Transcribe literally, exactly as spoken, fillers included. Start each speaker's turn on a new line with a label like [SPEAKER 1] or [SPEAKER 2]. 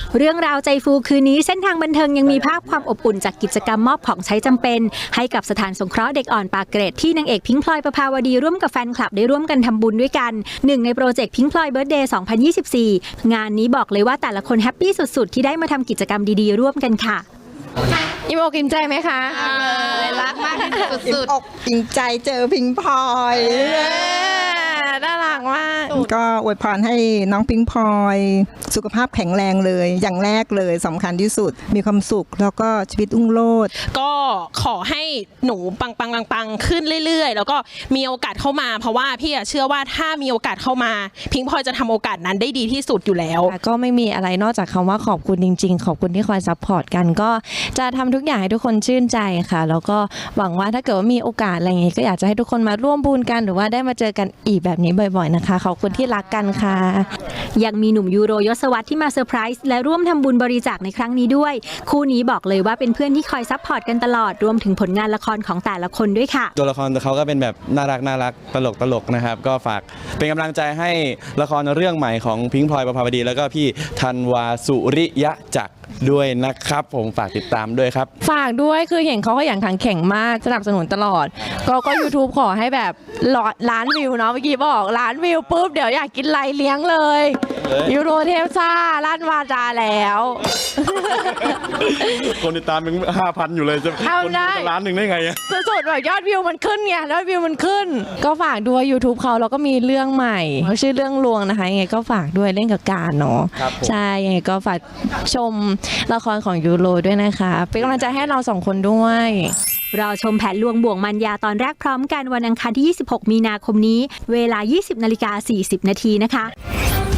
[SPEAKER 1] เรื่องราวใจฟูคืนนี้เส้นทางบันเทิงยังมีภาพความอบอุ่นจากกิจกรรมมอบของใช้จำเป็นให้กับสถานสงเคราะห์เด็กอ่อนปากเกร็ดที่นางเอกพิงค์พลอยประภาวดีร่วมกับแฟนคลับได้ร่วมกันทำบุญด้วยกันหนึ่งในโปรเจกต์พิงค์พลอยเบิร์ธเดย์สองพันยี่สิบสี่งานนี้บอกเลยว่าแต่ละคนแฮปปี้สุดๆที่ได้มาทำกิจกรรมดีๆร่วมกันค่ะ
[SPEAKER 2] อิ่มอกอิ่มใจไหมคะ
[SPEAKER 3] รักมากสุดๆอกอิ่มใจเจอพิงพลอย
[SPEAKER 2] น่ารักมาก
[SPEAKER 3] ก็อวยพรให้น้องพิงพลอยสุขภาพแข็งแรงเลยอย่างแรกเลยสำคัญที่สุดมีความสุขแล้วก็ชีวิตรุ่งโรจน์
[SPEAKER 4] ก็ขอให้หนูปังปังปังปังขึ้นเรื่อยๆแล้วก็มีโอกาสเข้ามาเพราะว่าพี่เชื่อว่าถ้ามีโอกาสเข้ามาพิงพลอยจะทำโอกาสนั้นได้ดีที่สุดอยู่แล้ว
[SPEAKER 2] ก็ไม่มีอะไรนอกจากคำว่าขอบคุณจริงๆขอบคุณที่คอยซัพพอร์ตกันก็จะทำทุกอย่างให้ทุกคนชื่นใจค่ะแล้วก็หวังว่าถ้าเกิดว่ามีโอกาสอะไรอย่างงี้ก็อยากจะให้ทุกคนมาร่วมบุญกันหรือว่าได้มาเจอกันอีกแบบนี้บ่อยๆนะคะขอบคุณที่รักกันค่ะ
[SPEAKER 1] ยังมีหนุ่มยูโรยศวรรษที่มาเซอร์ไพรส์และร่วมทำบุญบริจาคในครั้งนี้ด้วยคู่นี้บอกเลยว่าเป็นเพื่อนที่คอยซัพพอร์ตกันตลอดรวมถึงผลงานละครของแต่ละคนด้วยค่ะ
[SPEAKER 5] ตัวละครเขาก็เป็นแบบน่ารักน่ารักตลกตลกนะครับก็ฝากเป็นกำลังใจให้ละครเรื่องใหม่ของพิงค์พลอยประภาวดีแล้วก็พี่ธันวาสุริยะจักรด้วยนะครับผมฝากติดตามด้วยครับ
[SPEAKER 2] ฝากด้วยคือเห็นเขาขยันขันแข็งมากสนับสนุนตลอดก็ก็ ยูทูบ ขอให้แบบล้านวิวเนาะเมื่อกี้บอกล้านวิวปุ๊บเดี๋ยวอยากกินไรเลี้ยงเลยยูโรเทพซ่าลั่นวาจาแล้ว
[SPEAKER 5] คนติดตามเป็นห้าพันอยู่เลยจะคนดูล้านหนึ่งได้ไง
[SPEAKER 2] สุดๆแบบยอดวิวมันขึ้นไงยอดวิวมันขึ้นก็ฝากด้วย ยูทูบ เขาแล้วก็มีเรื่องใหม่เขาชื่อเรื่องลวงนะคะยังไงก็ฝากด้วยเล่นกับการเนาะใช่ยังไงก็ฝากชมละครของยูโรด้วยนะคะเป็นกำลังใจให้เราสองคนด้วย
[SPEAKER 1] รอชมแผนลวงบ่วงมันยาตอนแรกพร้อมกันวันอังคารที่ยี่สิบหกมีนาคมนี้เวลา ยี่สิบนาฬิกาสี่สิบนาทีนะคะ